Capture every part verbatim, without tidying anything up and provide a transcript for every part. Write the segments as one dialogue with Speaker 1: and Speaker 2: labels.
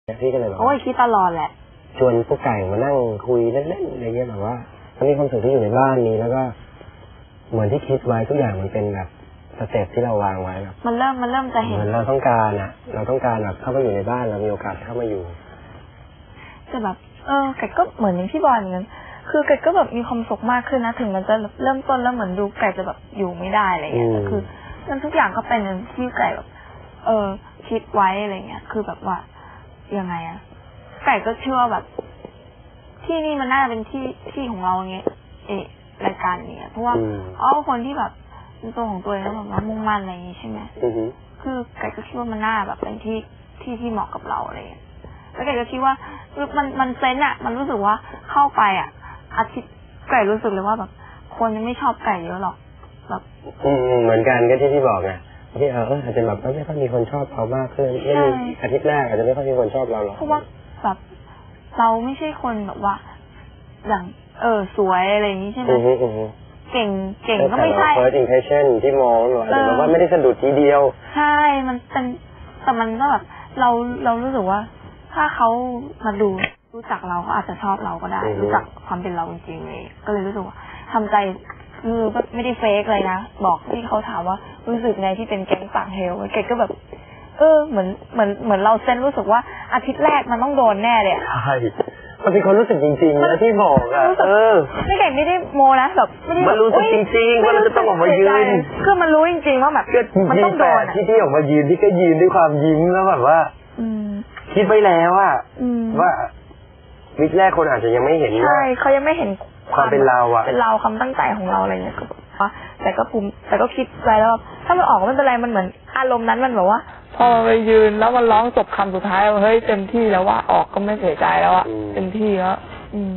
Speaker 1: พี่ก็เลยบอก
Speaker 2: โอ้ยคิดตลอดแหละ
Speaker 1: ชวนพวกไก่มานั่งคุยเล่นๆอะไรเงี้ยแบบว่ามันมีความสุขที่อยู่ในบ้านนี้แล้วก็เหมือนที่คิดไว้ทุกอย่างมันเป็นแบบสเต็ปที่เราวางไว้แบบ
Speaker 2: มันเริ่มมันเริ่มจะเห็น
Speaker 1: เหมือนเราต้องการอ่ะเราต้องการแบบเข้ามาอยู่ในบ้านเรามีโอกาสเข้ามาอยู่
Speaker 2: แต่แบบเออไก่ก็เหมือนอย่างที่บอยเหมือนกันคือไก่ก็แบบมีความสุขมากขึ้นนะถึงมันจะเริ่มต้นแล้วเหมือนดูไก่จะแบบอยู่ไม่ได้อะไรเงี้ยแต่คือมันทุกอย่างก็เป็นอย่างที่ไก่แบบเออคิดไว้อะไรเงี้ยคือแบบว่ายังไงอะไก่ก็เชื่อแบบที่นี่มันน่าจะเป็นที่ที่ของเราเงี้ยเอรายการเนี้ยเพราะว่าอ๋อคนที่แบบเป็นตัวของตัวเองแล้วแบบว่ามุ่งมั่นอะไรอย่างงี้ใช่ไหมคือไก่ก็คิดว่ามันน่าแบบเป็นที่ที่ที่เหมาะกับเราอะไรเงี้ยแล้วไก่ก็คิดว่ามันมันเซนอะมันรู้สึกว่าเข้าไปอะอาทิตย์ไก่รู้สึกเลยว่าแบบคนยังไม่ชอบไก่เยอะหรอกแบบ
Speaker 1: อืมเหมือนกันก็ที่ที่บอกไงที่เอออาจจะแบบไม่ค่อยมีคนชอบเรามากขึ้นไม่มีอาทิตย์แรกอาจจะไม่ค่อยมีคนชอบเราหรอก
Speaker 2: เพราะว่าแบบเราไม่ใช่คนแบบว่าอย่างเออสวยอะไรอย่างนี้ใช่ไหมเก่งเก่งก็ไม่ใช่
Speaker 1: first impression ที่มองหนูอาจจะแบบว่าไม่ได้สะดุดทีเดียว
Speaker 2: ใช่มันเป็นแต่มันก็แบบเราเรารู้สึกว่าถ้าเขามาดูรู้จักเราก็อาจจะชอบเราก็ได้รู้จักความเป็นเราจริงๆเลยก็เลยรู้สึกว่าทำใจคือไม่ได้เฟกเลยนะบอกที่เขาถามว่ารู้สึกไงที่เป็นแก๊งปากเฮลเกดก็แบบเออเหมือนเหมือนเหมือนเราเซนรู้สึกว่าอาทิตย์แรกมันต้องโดนแน่เลย
Speaker 1: ใช่มันเป็นคนรู้สึกจริงๆนะที่บอกอ่ะเออ
Speaker 2: ไม่เก่งไม่ได้โมนะแบบไม่ได้
Speaker 1: มันรู้สึกจริงๆว่าเราจะต้องออกมายืน
Speaker 2: คือมันรู้จริงๆว่าแบบมันต้องโดน
Speaker 1: ที่ที่ออกมายืนที่ก็ยืนด้วยความยิ้มแล้วแบบว่าคิดไว้แล้วอ่ะว่าวิกแรกคนอาจจะยังไม่เห็น
Speaker 2: ใช่เขายังไม่เห็น
Speaker 1: ความเป็นเราอ่ะ
Speaker 2: เป็นเราความตั้งใจของเราอะไรเงี้ยก็แต่ก็ภูมิแต่ก็คิดไว้แล้วถ้ามันออกไม่เป็นไรมันเหมือนอารมณ์นั้นมันแบบว่าพอไปยืนแล้วมันร้องจบคำสุดท้ายเฮ้ยเต็มที่แล้วว่าออกก็ไม่เสียใจแล้วอ่ะเต็มที่แล้วอืม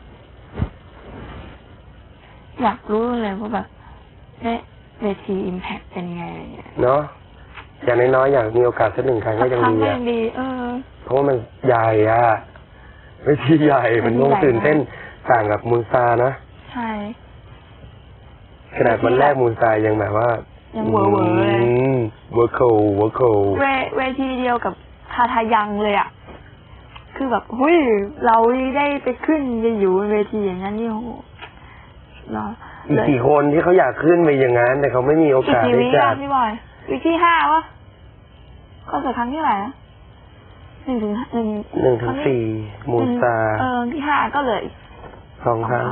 Speaker 2: อยากรู้เลยว่าแบบเวทีอิมแพคเป็นไง
Speaker 1: เนาะอย่างน้อยๆอยากมีโอกาสสักหนึ่งครั้งก็ยังดีอ่ะเพราะว่ามันใหญ่อ่ะเวทีใหญ่มันต้องตื่นเต้นต่างกับมูนซานะ
Speaker 2: ใช่
Speaker 1: ขนาดวันแรกมูนซายังแบบว่า
Speaker 2: ยังเวอร์เวอร์เลย
Speaker 1: เวอร์โคเวอร์โค
Speaker 2: เวทีเดียวกับทาทายังเลยอ่ะคือแบบเฮ้ยเราได้ไปขึ้นจะอยู่บนเวทีอย่างนั้นนี่โหเนาะ
Speaker 1: อีกกี่คนที่เขาอยากขึ้นไปอย่างนั้นแต่เขาไม่มีโอกาสได้จัด
Speaker 2: พี่บอยวิกที่ห้าวะคอนเสิร์ตครั้งที่เท่าไหร่นะหนึ่งถึงหนึ่ง
Speaker 1: หนึ่งถึงสี่มูนซา
Speaker 2: เออที่ห้าก็เลย
Speaker 1: สองครั้ง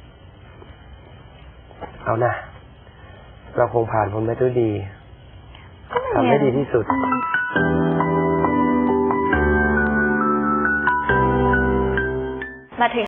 Speaker 1: เอานะเราคงผ่านพ้นไปด้วยดีทำให้ดีที่สุด
Speaker 2: มาถึง